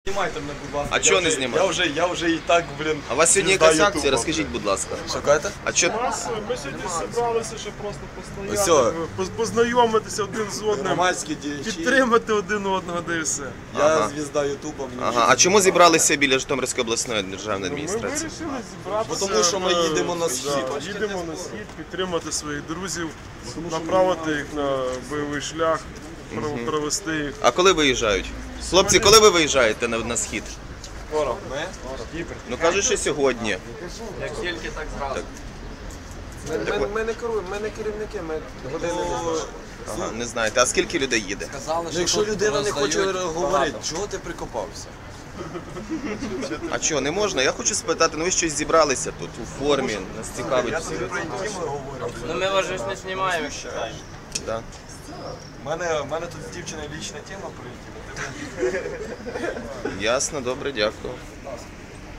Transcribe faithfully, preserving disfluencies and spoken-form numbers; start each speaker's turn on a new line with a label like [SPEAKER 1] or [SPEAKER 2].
[SPEAKER 1] Знімайте мене, будь ласка.
[SPEAKER 2] А чого не знімаєте?
[SPEAKER 1] Я вже, я вже і так, блін.
[SPEAKER 2] А у вас сьогодні якась акція? Розкажіть, будь ласка.
[SPEAKER 1] Що кажете?
[SPEAKER 2] А чо...
[SPEAKER 3] Ми сьогодні зібралися, щоб просто
[SPEAKER 1] Ось.
[SPEAKER 3] постояти, поз- познайомитися один з одним,
[SPEAKER 1] Громадські діячі.
[SPEAKER 3] підтримати один одного, да і все.
[SPEAKER 1] Я
[SPEAKER 2] Ага.
[SPEAKER 1] звізда Ютуба. мені
[SPEAKER 2] Ага,
[SPEAKER 1] нічого
[SPEAKER 2] а
[SPEAKER 1] не
[SPEAKER 2] чому зібралися біля Житомирської обласної державної
[SPEAKER 3] Ми
[SPEAKER 2] адміністрації?
[SPEAKER 3] вирішили зібратися.
[SPEAKER 1] Бо тому що ми
[SPEAKER 3] на-
[SPEAKER 1] їдемо на схід.
[SPEAKER 3] Да, їдемо на схід, підтримати своїх друзів, направити їх на бойовий шлях, пров- провести їх.
[SPEAKER 2] А коли виїжджають? Хлопці, коли ви виїжджаєте на, на схід?
[SPEAKER 1] Скоро. Ми?
[SPEAKER 2] Ну кажуть, що сьогодні.
[SPEAKER 1] Як тільки, так зразу.
[SPEAKER 4] Ми, ми, ми не керуємо, ми не керівники, ми години не знаємо.
[SPEAKER 2] Ага, не знаєте. А скільки людей їде?
[SPEAKER 1] Ну, якщо людина не хоче говорити, чого ти прикопався?
[SPEAKER 2] А чого, не можна? Я хочу спитати, ну ви щось зібралися тут у формі, нас цікавить всі.
[SPEAKER 5] Ну ми вас же ж не знімаємо.
[SPEAKER 2] Да?
[SPEAKER 1] У мене, в мене тут з дівчиною лічна тема прилетіла.
[SPEAKER 2] Ясно, добре, дякую.